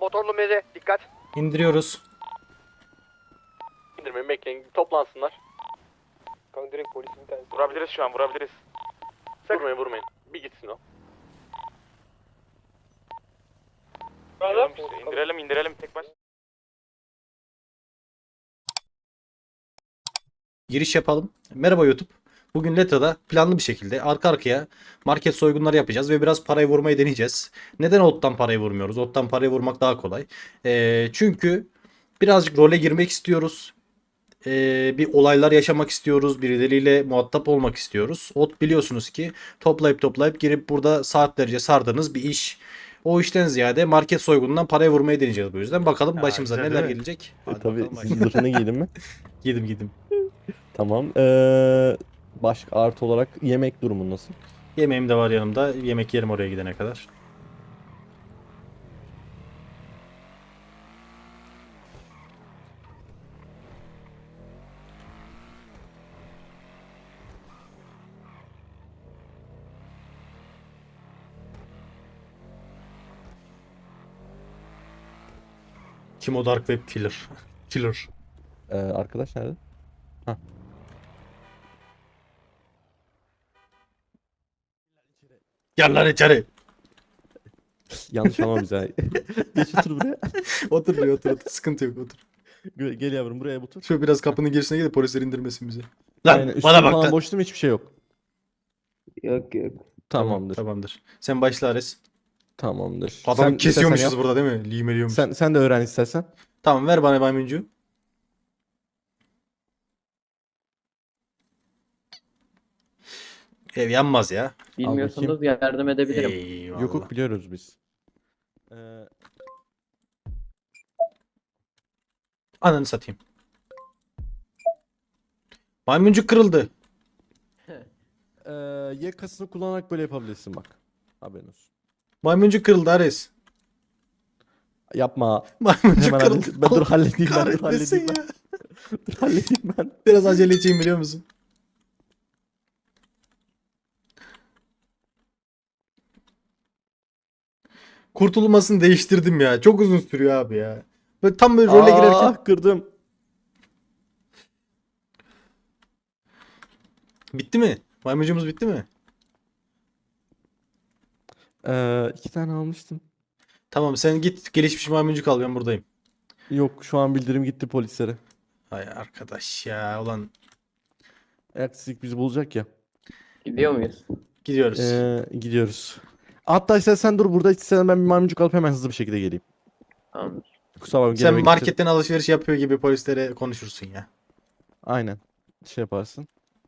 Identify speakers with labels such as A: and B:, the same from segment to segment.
A: Motorlu meze dikkat.
B: İndiriyoruz.
C: İndirmeyin, bekleyin, toplansınlar.
A: Kanka direkt polisin bir tanesi.
C: Vurabiliriz şu an, vurabiliriz. Vurmayın, vurmayın. Bir gitsin o. İndirelim tek baş.
B: Giriş yapalım. Merhaba YouTube. Bugün Leta'da planlı bir şekilde arka arkaya market soygunları yapacağız ve biraz parayı vurmayı deneyeceğiz. Neden Ot'tan parayı vurmuyoruz? Ot'tan parayı vurmak daha kolay. Çünkü birazcık role girmek istiyoruz. Bir olaylar yaşamak istiyoruz. Birileriyle muhatap olmak istiyoruz. Ot biliyorsunuz ki toplayıp girip burada saatlerce sardığınız bir iş. O işten ziyade market soygunundan parayı vurmayı deneyeceğiz bu yüzden. Bakalım başımıza
C: güzel
B: neler
C: değil mi?
B: gelecek. Hadi
D: Tabii
B: bakalım
D: siz zırhını giydin mi?
B: Yedim.
D: Tamam. Başka artı olarak yemek durumu nasıl?
B: Yemeğim de var yanımda. Yemek yerim oraya gidene kadar. Kim o Dark Web Killer? Killer.
D: Arkadaş nerede? Hah.
B: Gel lan içeri.
D: Yanlış anlama bize. Geç otur buraya.
B: Otur. Sıkıntı yok otur.
D: Gel yavrum buraya otur.
B: Şöyle biraz kapının girişine gidip polisler indirmesin bizi. Lan
D: Aynen,
B: bana
D: üstün
B: bak
D: falan
B: lan.
D: boş değil mi? Hiçbir şey yok.
A: Yok.
D: Tamamdır.
B: Tamamdır. Sen başla Ares.
D: Tamamdır.
B: Adamı
D: Sen
B: kesiyormuşuz
D: istersen
B: burada değil mi? Limeliyormuş.
D: yap. Sen de öğren istersen.
B: Tamam ver bana maymuncu. Ev yanmaz ya.
E: Bilmiyorsanız yardım edebilirim.
B: Eyvallah.
D: Yok biliyoruz biz.
B: Ananı satayım. Maymuncuk kırıldı.
D: Yakasını kullanarak böyle yapabilirsin bak. Haberin olsun.
B: Maymuncuk kırıldı Ares.
D: Yapma.
B: Maymuncuk
D: Hemen
B: kırıldı.
D: halledeyim. Ben dur halledeyim ben. Dur
B: Kahretmesin
D: halledeyim ben.
B: ya.
D: Dur halledeyim ben.
B: Biraz aceleciğim biliyor musun? Kurtulmasını değiştirdim ya. Çok uzun sürüyor abi ya. Böyle tam böyle role girerken.
D: Kırdım.
B: Bitti mi? Maymuncumuz bitti mi?
D: 2 tane almıştım.
B: Tamam sen git gelişmiş maymuncuk al ben buradayım.
D: Yok şu an bildirim gitti polislere.
B: Ay arkadaş ya ulan
D: Ertesi bizi bulacak ya.
E: Gidiyor muyuz?
B: gidiyoruz.
D: Gidiyoruz. Hatta istersen dur burada istersen ben bir maymuncuk alıp hemen hızlı bir şekilde geleyim.
E: Tamamdır.
D: Kusura bakma
B: Sen
D: geleme gideceğim.
B: marketten alışveriş yapıyor gibi polislere konuşursun ya.
D: Aynen. Şey yaparsın.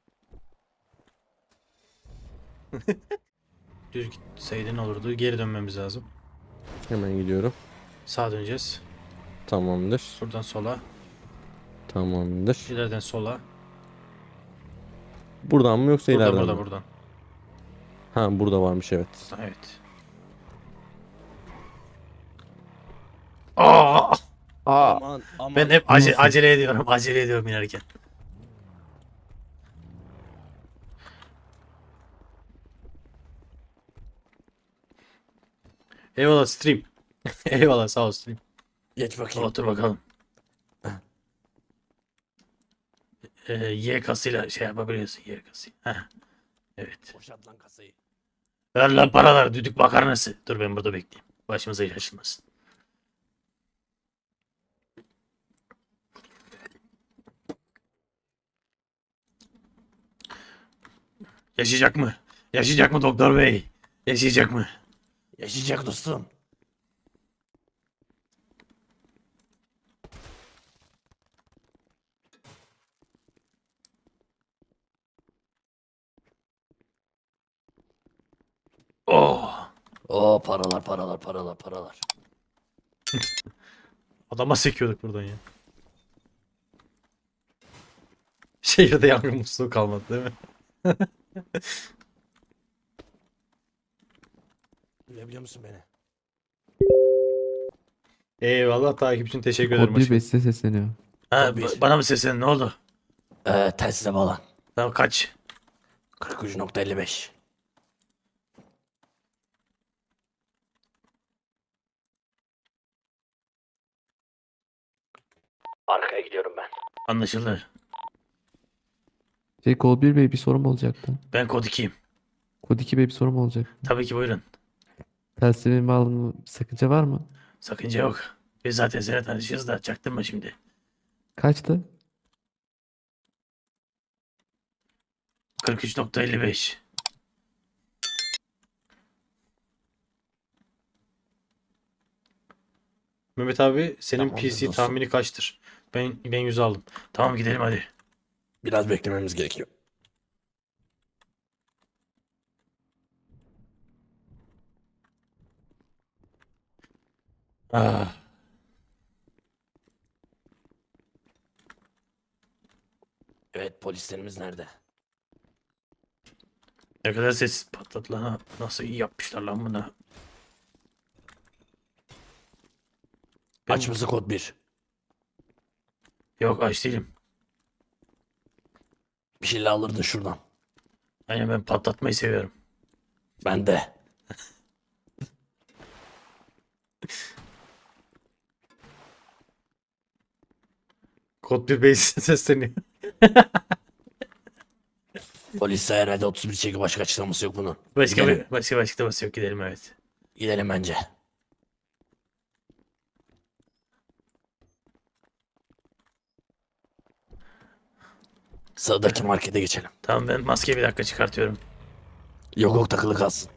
B: Düz gitseydin olurdu. Geri dönmemiz lazım.
D: Hemen gidiyorum.
B: Sağa döneceğiz.
D: Tamamdır.
B: Buradan sola.
D: Tamamdır.
B: İleriden sola.
D: Buradan mı yoksa
B: Buradan
D: ileriden mi?
B: buradan.
D: Ha burada varmış evet.
B: Evet. Aa!
D: Aman
B: Ben hep
D: Nasıl?
B: acele ediyorum. Acele ediyorum inerken. Eyvallah stream. Eyvallah sağ ol stream.
D: Geç bakayım.
B: Otur bakalım. Y kasıyla şey yapabiliyorsun Y kası. Heh. Evet.
D: Boşalt lan kasayı.
B: Ver lan paralar düdük makarnası. Dur ben burada bekleyeyim. Başımıza iş açılmasın. Yaşayacak mı? Yaşayacak mı doktor bey? Yaşayacak mı?
D: Yaşayacak dostum.
B: Oh!
D: Oo paralar.
B: Adama sekiyorduk buradan ya. Şehirde yangın musluğu kalmadı değil mi?
D: Duyabiliyor musun beni?
B: Eyvallah takip için teşekkür ederim.
F: Kod bir beste sesleniyor.
B: Ha,
D: Kod bir.
B: bana mı seslendin ne oldu?
D: Telsize bağlan.
B: Tamam kaç?
D: 43.55.
C: Arkaya gidiyorum ben.
B: Anlaşıldı.
F: Kod 1 Bey bir sorum olacaktı.
B: Ben kod 2'yim.
F: Kod 2 Bey bir sorum olacak.
B: Tabii ki buyurun.
F: Telsizimi aldım, bir sakınca var mı?
B: Sakınca yok. Biz zaten seninle tanışıyoruz da çaktırma şimdi.
F: Kaçtı?
B: 43.55. Mehmet abi senin
G: Tamamdır
B: PC
G: dostum.
B: tahmini kaçtır? Ben 100 aldım. Tamam gidelim hadi.
G: Biraz beklememiz gerekiyor.
B: Ah.
G: Evet, polislerimiz nerede?
B: Ne kadar sessiz patladı lan. Nasıl iyi yapmışlar lan bunu. Ben-
G: Aç mısın kod 1?
B: Yok aç değilim.
G: Bir şeyler alırdın şuradan.
B: Aynen ben patlatmayı seviyorum.
G: Ben de.
B: Kod 1 base sesleniyor.
G: Polis herhalde 31 çeki başka açıklaması yok bunun.
B: Başka
G: Gidelim.
B: başka açıklaması yok, gidelim evet.
G: Gidelim bence. Sağdaki markete geçelim.
B: Tamam ben maskeyi bir dakika çıkartıyorum.
G: Yok takılı kalsın.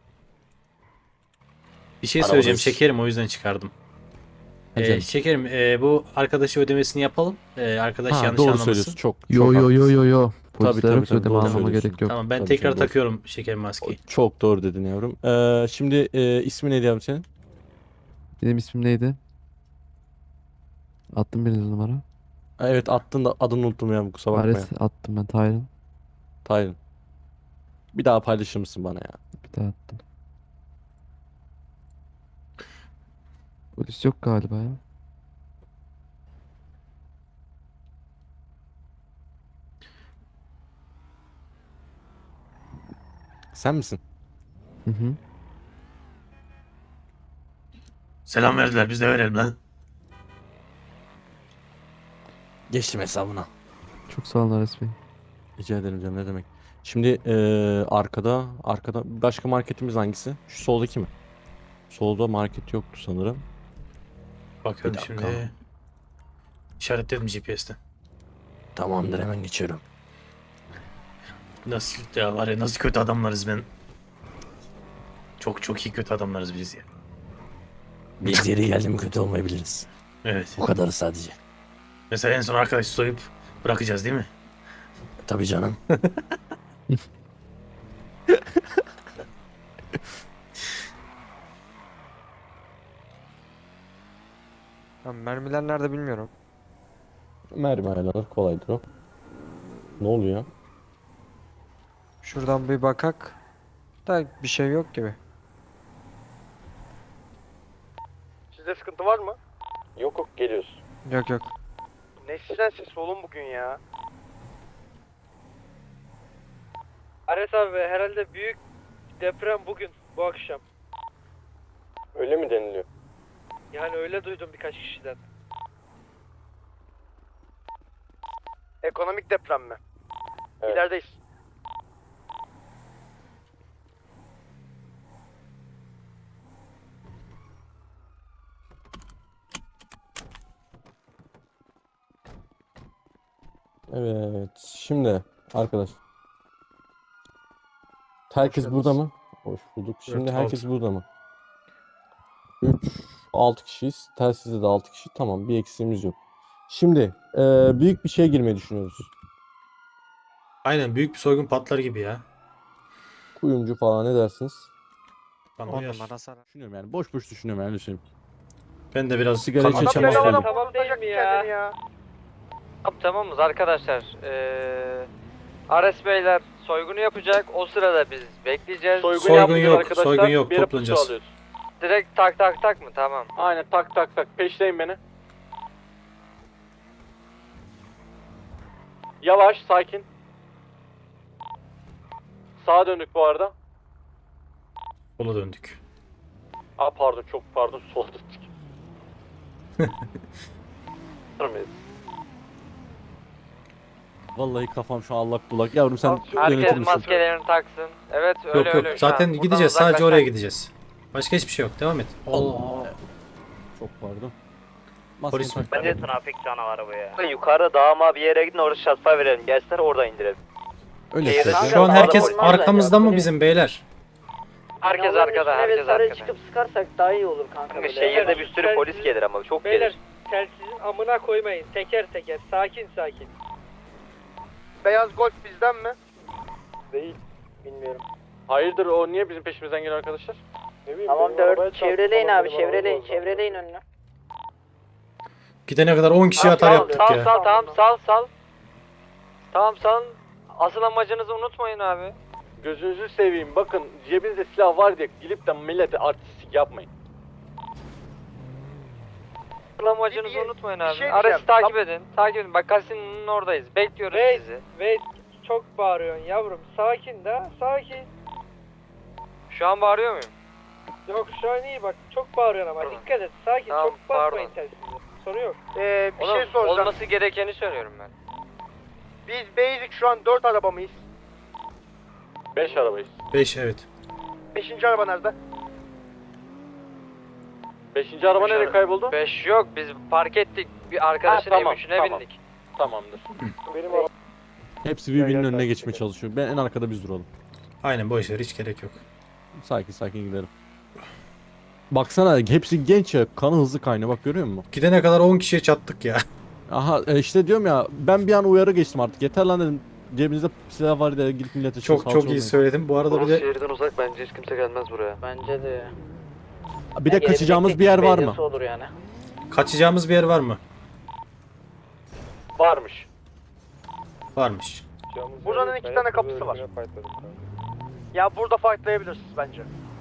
B: Bir şey
G: Arabadayız.
B: söyleyeceğim şekerim, o yüzden çıkardım.
F: Hocam.
B: Şekerim bu arkadaşı ödemesini yapalım. Arkadaş
D: Ha,
B: yanlış
D: doğru
B: anlamasın.
D: söylüyorsun. Çok
F: Yo
D: çok
F: yo yo
D: haklısın.
F: yo yo. Polisler
D: tabii,
F: yoksa
D: tabii,
F: ödeme
D: doğru
F: almama
D: söylüyorsun.
F: gerek yok.
B: Tamam ben
D: Tabii
B: tekrar
D: canım, doğru.
B: takıyorum şekerim maskeyi.
D: Çok doğru dedin yavrum. Şimdi ismi neydi yavrum senin?
F: Benim ismim neydi? Attım bir numara.
D: Ha, evet attın da adını unuttum ya, kusura bakma ya.
F: Ares attım ben Tyron.
D: Taylan. Bir daha paylaşır mısın bana ya?
F: Bir daha attım. Polis yok galiba ya.
D: Sen misin?
F: Hı hı.
B: Selam verdiler, biz de verelim lan.
G: Geçtim hesabına.
F: Çok sağ olun Ares Bey.
D: Rica ederim canım, ne demek. Şimdi arkada başka marketimiz hangisi? Şu soldaki mi? Solda market yoktu sanırım.
B: Bakıyorum
G: Bir dakika.
B: şimdi. İşaretledim GPS'ten.
G: Tamamdır, hemen geçiyorum.
B: Nasıl ya, var ya nasıl kötü adamlarız ben. Çok çok iyi kötü adamlarız biz ya.
G: Biz yeri geldi mi kötü olmayabiliriz.
B: Evet.
G: Bu kadarı sadece.
B: Mesela en son arkadaşı soyup bırakacağız değil mi?
G: Tabii canım.
A: Mermiler nerede bilmiyorum.
D: Mermi ayarlanır, kolaydır o. Ne oluyor?
A: Şuradan bir bakak. Da bir şey yok gibi. Sizde sıkıntı var mı?
C: Yok yok geliyoruz.
A: Yok yok. Ne sizden ses oğlum bugün ya? Ares abi herhalde büyük deprem bugün, bu akşam.
C: Öyle mi deniliyor?
A: Yani öyle duydum birkaç kişiden. Ekonomik deprem mi?
C: Evet.
A: İlerideyiz.
D: Evet. Şimdi arkadaş. Herkes
B: Hoş
D: burada
B: geldiniz.
D: mı? Hoş bulduk. Şimdi
B: Evet,
D: herkes
B: altı.
D: burada mı? 3, 6 kişiyiz. Telsizde de 6 kişi. Tamam, bir eksiğimiz yok. Şimdi büyük bir şeye girmeyi düşünüyoruz.
B: Aynen büyük bir soygun patlar gibi ya.
D: Kuyumcu falan, ne dersiniz?
B: Bana
A: 10
B: uyar.
A: numara sana.
D: Düşünüyorum yani. Boş boş düşünüyorum yani. Düşünüyorum.
B: Ben de biraz
D: Sigara
B: kanlı
D: içen
B: çamaşır
D: çamaşır
B: oldum.
A: Tamam değil mi ya? Tamamız arkadaşlar. Ares Beyler soygunu yapacak. O sırada biz bekleyeceğiz.
B: Soygun
C: yapmıyoruz
B: yok,
C: arkadaşlar.
B: soygun yok,
C: Bir yere
B: toplanacağız.
C: pusu alıyoruz.
A: Direkt tak tak tak mı? Tamam.
C: Aynen tak tak tak. Peşleyin beni. Yavaş, sakin. Sağa döndük bu arada.
B: Sola döndük.
C: Aa pardon, çok pardon, sola döndük. Hazır mıyız?
D: Vallahi kafam şu an allak bullak. Yavrum sen yönetir
A: Herkes
D: misin?
A: maskelerini taksın. Evet öyle
B: Yok yok.
A: öyle. Şu an
B: Zaten
A: buradan
B: gideceğiz. Sadece
A: uzaklaşsak.
B: oraya gideceğiz. Başka hiçbir şey yok. Devam et.
D: Çok pardon.
B: Polis mi?
D: Maskeni tak.
H: Bence trafik canavarı bu ya.
I: Yukarı dağıma bir yere gidin, orada şatfa verelim. Gelsinler, orada indirelim.
D: Öyle
I: Şehirde
D: söyleyeyim.
B: Şu an herkes
I: Olmaz bence.
B: arkamızda mı bizim beyler?
A: Herkes arkada, herkes arkada.
E: çıkıp sıkarsak daha iyi olur kanka.
I: Kanka şehirde bir sürü polis gelir ama çok gelir.
J: Telsizin amına koymayın. Teker teker. Sakin sakin.
C: Beyaz Golf bizden mi?
I: Değil. Bilmiyorum.
C: Hayırdır, o niye bizim peşimizden geliyor arkadaşlar?
I: Tamam 4 çevreleyin abi, çevreleyin önüne.
B: Gidene kadar 10 kişi atar yaptık
A: Sal
B: ya.
A: sal tamam sal. Tamam salın. Asıl amacınızı unutmayın abi.
C: Gözünüzü seveyim, bakın cebinizde silah var diye gidip de millete artistik yapmayın.
A: Asıl amacınızı unutmayın abi.
C: şey
A: Arası
C: diyeceğim.
A: takip edin. Takip edin. Bak kasinin oradayız. Bekliyoruz
J: Hey.
A: sizi.
J: Ve çok bağırıyorsun yavrum. Sakin de sakin.
A: Şu an bağırıyor muyum?
J: Yok şu an iyi bak. Çok bağırıyorsun ama.
A: Pardon.
J: Dikkat et. Sakin.
A: Tamam,
J: çok basmayın
A: pardon.
J: telsize. Sorun yok.
C: Bir
A: Oğlum,
C: şey soracağım.
A: olması gerekeni söylüyorum ben.
C: Biz basic şu an 4 araba mıyız? 5 arabayız.
B: 5 evet.
C: 5. araba nerede? 5. araba
A: Beş
C: nereye
A: ara-
C: kayboldu?
A: 5 yok biz park ettik. Bir arkadaşın
C: Ha, tamam,
A: M3'üne
C: tamam.
A: bindik.
C: Tamamdır.
D: Hepsi birbirinin önüne geçmeye çalışıyor. Ben en arkada biz duralım.
B: Aynen boş ver, hiç gerek yok.
D: Sakin sakin gidelim. Baksana hepsi genç ya. Kanı hızlı kaynıyor. Bak görüyor musun?
B: Gidene kadar 10 kişiye çattık ya.
D: Aha işte diyorum ya. Ben bir an uyarı geçtim artık. Yeter lan dedim. Cebinizde silah var diye gidip millete
B: Çok iyi söyledim. Bu arada bir de
I: şehirden uzak, bence hiç kimse gelmez buraya.
E: Bence de.
D: Bir de kaçacağımız bir yer var mı?
E: Olur yani.
B: kaçacağımız bir yer var mı?
C: Varmış.
B: Varmış.
C: Buranın 2 tane kapısı var. Ya burada fightlayabilirsiniz bence.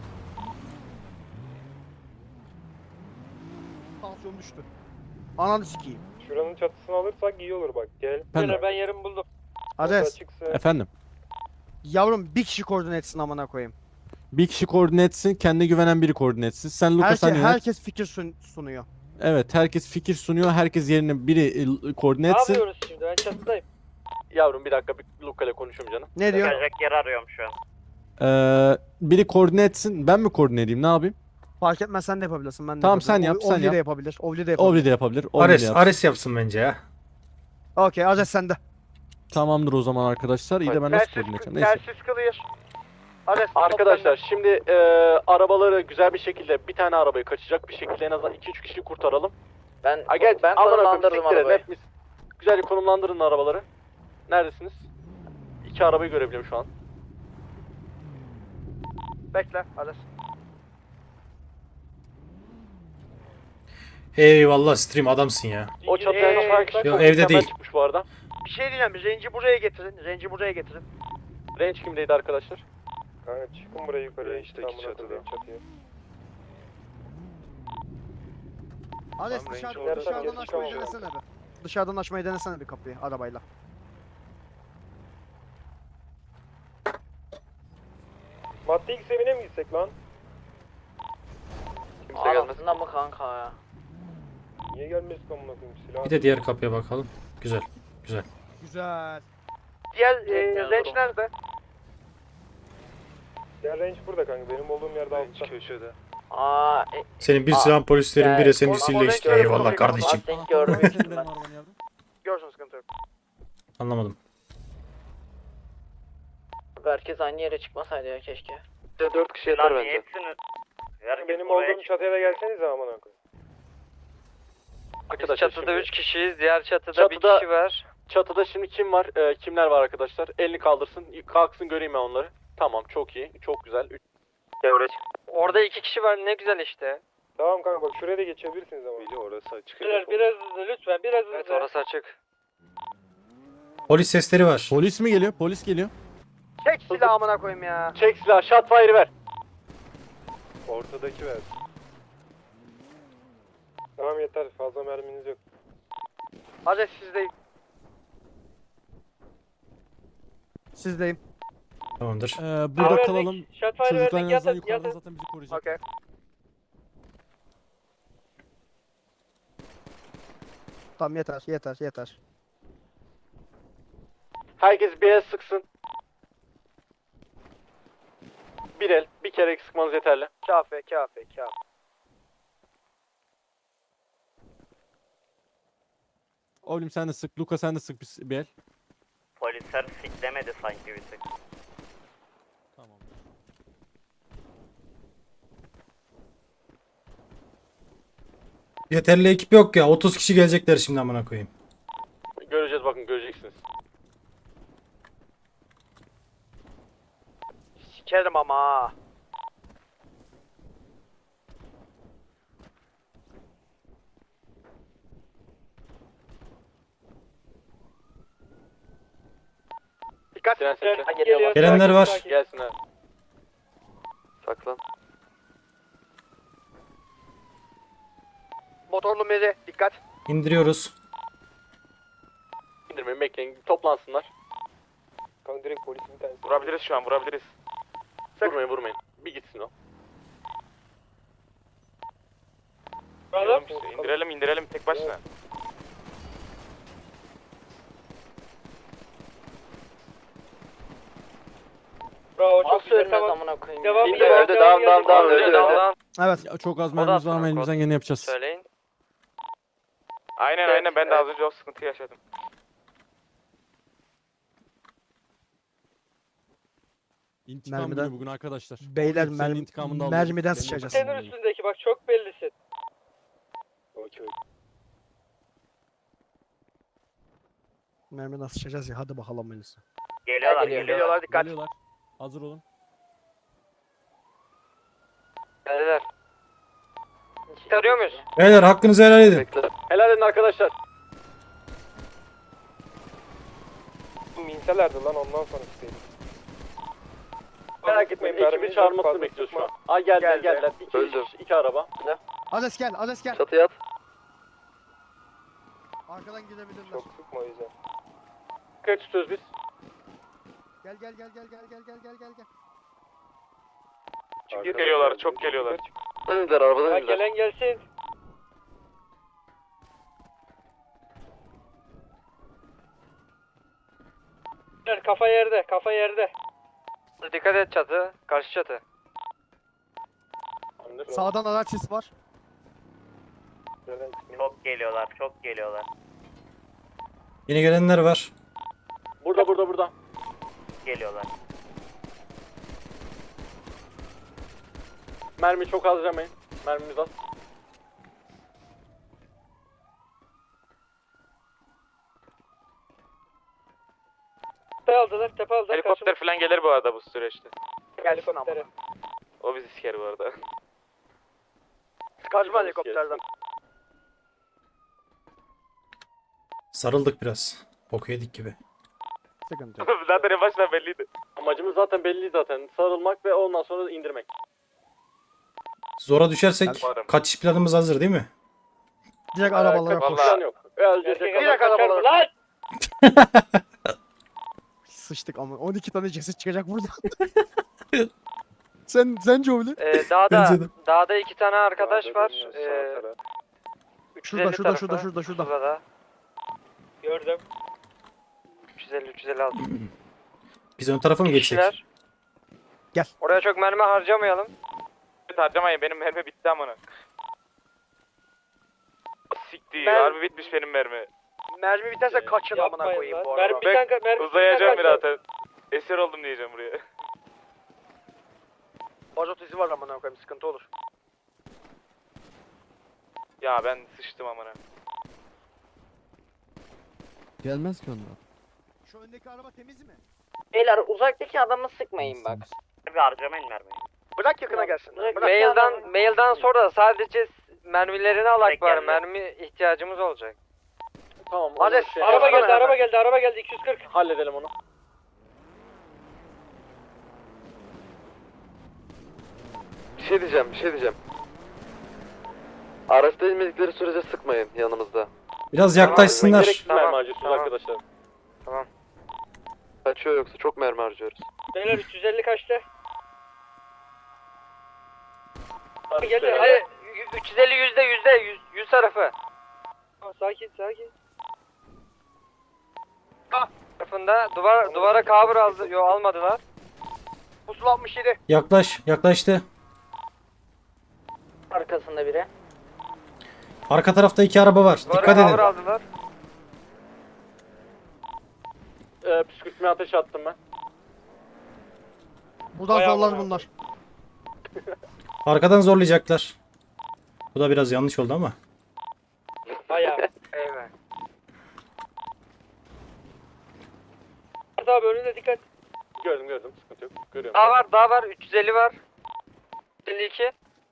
K: Tansiyon düştü. Ananı sikeyim.
J: Şuranın çatısını alırsak iyi olur bak. Gel.
D: Efendim?
J: Ben yarın buldum.
K: Ares.
D: Efendim.
K: Yavrum bir kişi koordine etsin amına koyayım.
D: Bir kişi koordine etsin. Kendine güvenen biri koordine etsin. Sen Lucas sen yönet.
K: Herkes fikir sunuyor.
D: Evet herkes fikir sunuyor. Herkes yerine biri koordine
J: Ne
D: etsin.
J: yapıyoruz şimdi? Ben çatıdayım.
C: Yavrum bir dakika, bir Luka ile konuşayım canım.
K: Ne diyor?
H: Kaçacak yer arıyorum şu an.
D: Biri koordine etsin. Ben mi koordine edeyim? Ne yapayım?
K: Fark etmez, sen de yapabilirsin. Ben de
D: Tamam,
K: yapabilirim.
D: sen yap, sen
K: Ovli
D: yap.
K: de yapabilir. Ovli de yapabilir.
D: Ovli de yapabilir. Ovli de
B: Ares,
D: yapsın.
B: Ares yapsın bence ya.
K: Okey, Ares sende.
D: Tamamdır o zaman arkadaşlar. İyi de ben nasıl koordine edeceğim? Neyse.
C: Telsiz clear. Arkadaşlar şimdi arabaları güzel bir şekilde, bir tane arabayı kaçacak bir şekilde en azından 2-3 kişi kurtaralım.
E: Ben
C: Gel,
E: ben
C: amına koyayım,
E: konumlandırdım
C: siktir edin,
E: arabayı.
C: hepimiz. Güzelce konumlandırın arabaları. Neredesiniz? 2 arabayı görebiliyorum şu an. Bekle, Ares.
B: Eyvallah stream, adamsın ya.
C: O çatıya çıkan kişi
B: Yo,
C: çok
B: evde
C: mükemmel
B: değil.
C: çıkmış bu arada. Bir şey diyeceğim, Range'i buraya getirin, Range'i buraya getirin. Range kimdeydi arkadaşlar?
J: Kanka çıkın buraya yukarıya.
C: İşteki çatıda.
J: Çatıya.
K: Ares
J: Tamam,
K: dışarıdan,
J: Range
K: dışarıdan
J: orada
K: açmayı
J: çıkamam.
K: denesene bir. Dışarıdan açmayı denesene bir kapıyı arabayla.
J: Madde X evine mi gitsek lan?
C: Kimse gelmez.
E: Anasında mı kanka ya?
J: Niye gelmesin amına koyayım silah?
B: Bir de diğer kapıya bakalım. Güzel. Güzel.
K: Güzel.
C: Diğer
E: Tekrar
C: Range
E: durum.
C: nerede?
J: Ya range burada kanka. Benim olduğum yerde altta.
C: Köşede.
E: Aa,
B: Senin bir
E: Aa,
B: silahın polislerin,
E: yani
B: biri
C: o- o
B: SMG'siyle
C: renk
B: işte.
C: öyle
B: Eyvallah
C: konuşuyor.
B: kardeşim.
E: denk görmüştüm
D: Benim
E: ben.
D: arabanı yavrum.
C: Görsün, sıkıntı yok.
B: Anlamadım.
E: Herkes aynı yere çıkmasaydı ya keşke.
I: 4 kişi yeter bence.
J: Benim olduğum çatıya da gelsenize amına koyayım.
A: Biz
C: Arkadaşlar
A: çatıda
C: şimdi,
A: 3 kişiyiz. Diğer çatıda bir
C: Çatıda-
A: kişi var.
C: çatıda şimdi kim var? Kimler var arkadaşlar? Elini kaldırsın. Kalksın göreyim ben onları. Tamam, çok iyi. Çok güzel.
A: Orada 2 kişi var. Ne güzel işte.
J: Tamam kanka bak şuraya da geçebilirsiniz ama.
C: Biri orası açık.
J: Biraz hızlı lütfen biraz hızlı.
A: Evet orası açık.
B: Polis sesleri var.
D: Polis mi geliyor? Polis geliyor.
C: Çek silahı amına koyayım ya. Çek silahı. Shotfire'ı ver.
J: Ortadaki ver. Tamam yeter fazla merminiz yok.
C: Hadi sizdeyim.
K: Sizdeyim.
B: Tamamdır.
D: Burada kalalım.
J: Shotfire
D: Çocuklar
J: verdik
D: en azından
J: yatın
D: yukarıda
J: yatın.
D: zaten bizi koruyacak.
C: Okey.
K: Tamam yeter.
C: Herkes bir el sıksın. Bir el, bir kere sıkmanız yeterli.
J: Kafe.
D: Oğlum sen de sık. Luka sen de sık bir el.
H: Polisler siklemedi sanki bir tık.
D: Tamam.
B: Yeterli ekip yok ya. 30 kişi gelecekler şimdi amına koyayım.
C: Göreceğiz, bakın göreceksiniz.
J: Sikerim ama. Dikkat.
C: Siren sesle.
J: Geliyor.
B: Gelenler var.
C: Gelsin abi.
A: Saklan.
J: Motorlu mezi. Dikkat.
B: İndiriyoruz.
C: İndirmeyin, bekleyin, toplansınlar.
J: Kanka direkt polisin bir tanesi.
C: Vurabiliriz şu an, vurabiliriz. Vurmayın. Bir gitsin o. İndirelim tek başına.
J: Bravo çok
E: Nasıl
J: güzel
E: ölmez
J: tamam.
E: amına koyayım.
J: Devam
E: ya?
J: devam.
A: Öldü.
K: Evet.
D: Ya çok az
A: O da
D: mermimiz var ama
A: aslında
D: elimizden geleni yapacağız.
A: Söyleyin.
C: Aynen, ben de az önce o sıkıntı yaşadım.
D: İntikam
K: Mermiden-
D: günü bugün arkadaşlar.
K: Beyler
D: Senin intikamını da alıyorum.
K: mermiden
D: Benim
K: sıçacağız.
D: intikamımı
J: Senin
D: alıyorum.
J: üstündeki bak çok bellisin.
K: Mermiden sıçacağız ya. Hadi bakalım Melisa.
H: Geliyorlar
J: Geliyorlar dikkat.
D: Geliyorlar. Hazır olun.
A: Geldiler. Tarıyor muyuz?
B: Beyler hakkınızı helal edin.
C: Helal edin arkadaşlar.
J: Minselerdi lan ondan sonra istedim.
C: Merak etmeyin, ekibi çağırmasını bekliyoruz şu an. Aa geldiler. İki araba.
K: Ades gel. Ades gel.
A: Çatıya at.
K: Arkadan gidebilirler.
J: Çok sıkma o yüzden.
C: Kaç tutuyoruz biz?
K: Gel.
C: Geliyorlar, çok geliyorlar.
A: Önümüzler arabadan
J: Ha, gelen gelsin. Kafa yerde.
A: Dikkat et çatı. Karşı çatı.
K: Sağdan araç sesi var.
H: Çok geliyorlar.
B: Yine gelenler var.
C: Burada.
H: Geliyorlar.
C: Mermi çok harcamayın. Mermimiz az.
J: Tepe aldılar.
C: Helikopter falan gelir bu arada bu süreçte.
J: Helikoptere.
C: O bizi siker bu arada.
J: Kaçma helikopterden.
B: Sarıldık biraz. Boku yedik gibi.
K: Sıkıntı yok.
C: Zaten en baştan belliydi. Amacımız zaten belli zaten. Sarılmak ve ondan sonra indirmek.
B: Zora düşersek
C: varım.
B: kaçış planımız hazır değil mi?
K: Direkt arabalara koş.
C: Vallahi yok.
J: Direkt arabalar. Lan!
K: Sıçtık ama 12 tane ceset çıkacak buradan. sen Joeli.
B: Bence de.
A: Dağda 2 tane arkadaş var.
K: Şurada
A: 350
K: şurada
A: tarafı.
K: şurada.
A: Şurada da.
J: Gördüm.
A: 350-356.
B: Biz ön tarafa mı geçsek?
A: Kişiler.
K: Gel.
A: Oraya çok mermi harcamayalım.
C: Harcamayın, benim mermi bitti amına. Siktir,
J: Ben-
C: harbi bitmiş benim mermi.
J: Mermi biterse kaçın amına
A: Yapmayın
J: koyayım
A: lan.
J: bu arada.
A: Mermi
C: Ben uzayacağım zaten. Esir oldum diyeceğim buraya.
J: Bazot izi var amına koyayım sıkıntı olur.
C: Ya ben sıçtım amına.
F: Gelmez ki onlar.
K: Şu öndeki araba temiz mi?
E: Beyler uzaktaki adamı sıkmayın bak.
H: Bir harcamayın mermiyi.
J: Bırak yakına gelsin.
E: Bırak-
A: Mailden sonra sadece mermilerini alak
H: Tek
A: var.
H: geldi.
A: Mermi ihtiyacımız olacak.
C: Tamam.
J: Hadi
C: onu
J: araba geldi 240.
C: Halledelim onu.
A: Bir şey diyeceğim. Araçta inmedikleri sürece sıkmayın yanımızda.
B: Biraz yaklaşsınlar.
C: Gereksiz
A: Tamam,
C: mermi harcıyorsunuz
A: tamam.
C: arkadaşlar.
A: Kaçıyor yoksa çok mermi harcıyoruz.
J: Beyler 350 kaçtı? Geldi.
C: Hadi.
J: Hadi.
A: 350 %100 tarafı.
J: Sakin.
A: tarafında duvara cover aldı. Yo, almadılar.
C: Pusula 67.
B: Yaklaştı.
E: Arkasında biri.
B: Arka tarafta 2 araba var.
A: Duvara
B: Dikkat
A: cover
B: edin.
A: aldılar.
C: Püskürtmeye ateş attım ben.
K: Buradan
A: Bayağı
K: zorlar
A: bayağı.
K: bunlar.
B: Arkadan zorlayacaklar. Bu da biraz yanlış oldu ama.
A: Bayağı. Eyvah.
J: Abi önüne dikkat.
C: Gördüm. Sıkıntı yok. Görüyorum.
A: Daha var. 350 var. 52.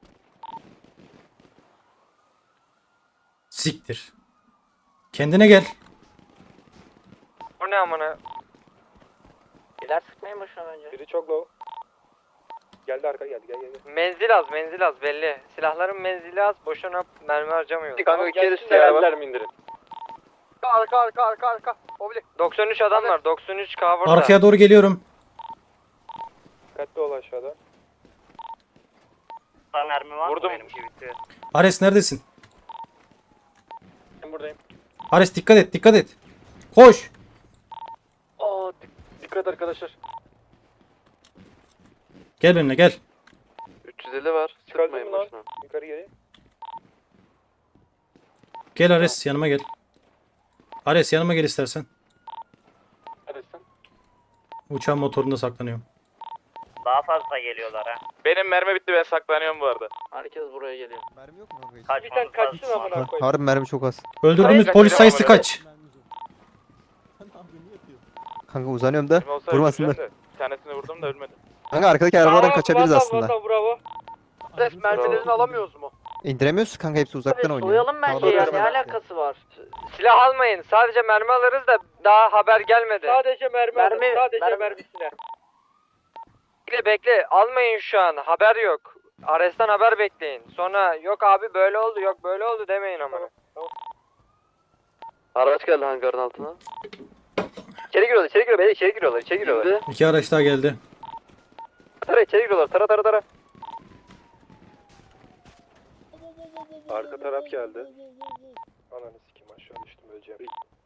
B: Siktir. Kendine gel.
A: Bu ne amına?
E: Biler sıkmayın boşuna bence.
C: Biri çok low. Geldi arka geldi. Gel.
A: Menzil az belli. Silahların menzili az. Boşuna mermi harcamıyoruz.
C: Kanka
J: gelsin
C: içeri
J: de ya.
C: geldiler mi indirin? Arka. Obli.
A: 93 adam var. 93 cover'da.
B: Arkaya doğru geliyorum.
C: Dikkatli ol aşağıda.
H: Sana mermi var
C: Vurdum.
H: mı benimki bitiyor.
B: Ares neredesin?
C: Ben buradayım.
B: Ares dikkat et. Koş.
C: Dikkat arkadaşlar.
B: Gel benimle gel.
C: 350 var. Sıkmayın boşuna. Yukarı geri.
B: Gel Ares yanıma gel. Ares yanıma gel istersen.
C: Hadi sen.
B: Uçağın motorunda saklanıyorum.
H: Daha fazla geliyorlar ha.
C: Benim mermi bitti, ben saklanıyorum bu arada.
E: Herkes buraya geliyor.
F: Mermi yok mu kanka hiç?
J: Bir tane
H: Kaçmamız
J: kaçsın
H: lazım.
J: amına koyayım.
F: Harbi mermi çok az.
B: Öldürdüğümüz
C: Hayır,
B: polis sayısı
C: kaçıramam
B: kaç?
F: Kanka uzanıyorum da
C: Kim olsa
F: vurmasınlar.
C: öldüreceğim de. Bir tanesini vurdum da ölmedi.
F: Kanka arkadaki arabalardan
J: Bravo,
F: kaçabiliriz
J: vatan,
F: aslında.
J: Vatan, bravo.
C: Mermilerini alamıyoruz mu?
F: İndiremiyoruz kanka, hepsi uzaktan oynuyor.
E: Soyalım bence
F: Havadan
E: ya. Ne
F: kaçamaz.
E: alakası var?
A: Silah almayın. Sadece mermi alırız da daha haber gelmedi.
J: Sadece mermi alın,
E: Mermi-
J: sadece
E: mermi-
J: mermisine.
A: Bekle. Almayın şu an. Haber yok. Ares'ten haber bekleyin. Sonra yok abi böyle oldu, yok böyle oldu demeyin ama.
C: Araç geldi hangarın altına.
A: İçeri giriyorlar.
B: 2 araç daha geldi.
A: İçeri giriyorlar. Tara.
C: Arka taraf geldi. Ananı sikeyim, aşağı düştüm, öleceğim.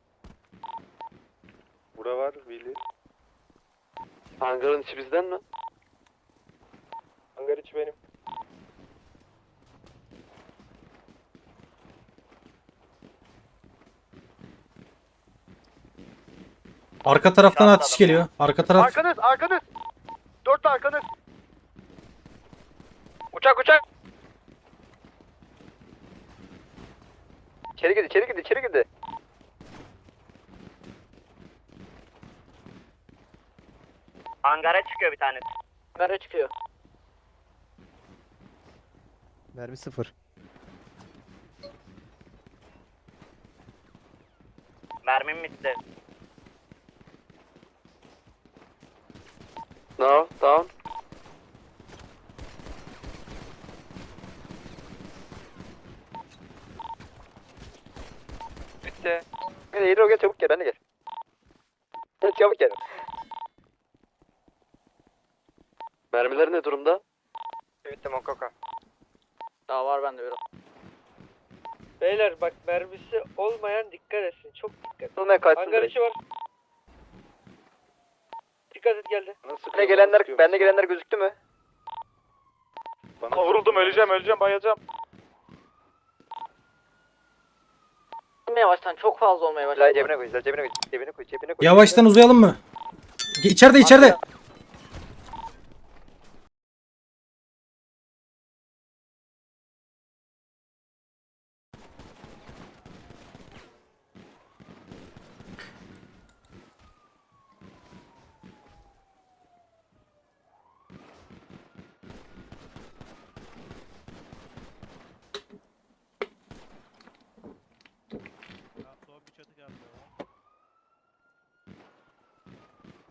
C: Bura var Willy.
A: Hangarın içi bizden mi?
C: Hangar içi benim.
B: Arka taraftan atış geliyor. Arka taraf.
C: Arkanız! 4 arkanız!
A: Uçak. İçeri girdi.
H: Hangara çıkıyor bir tanesi.
E: Hangara çıkıyor.
F: Mermi sıfır.
H: Mermim bitti.
A: No, down. Bitti.
C: Gel çabuk gel, ben de gel. Çabuk gel. Mermiler ne durumda?
A: Bitti Mokoko.
E: Daha var bende biraz.
J: Beyler bak mermisi olmayan dikkat etsin. Çok dikkat.
C: Olmaya kaçsın
J: Hangar
C: direkt.
J: içi var. Dikkat et geldi.
C: Bende gelenler gözüktü mü? Vuruldum, öleceğim, bayılacağım.
E: Yavaştan çok fazla olmaya başladı.
A: Cebine koy.
B: Yavaştan uzayalım mı? İçeride.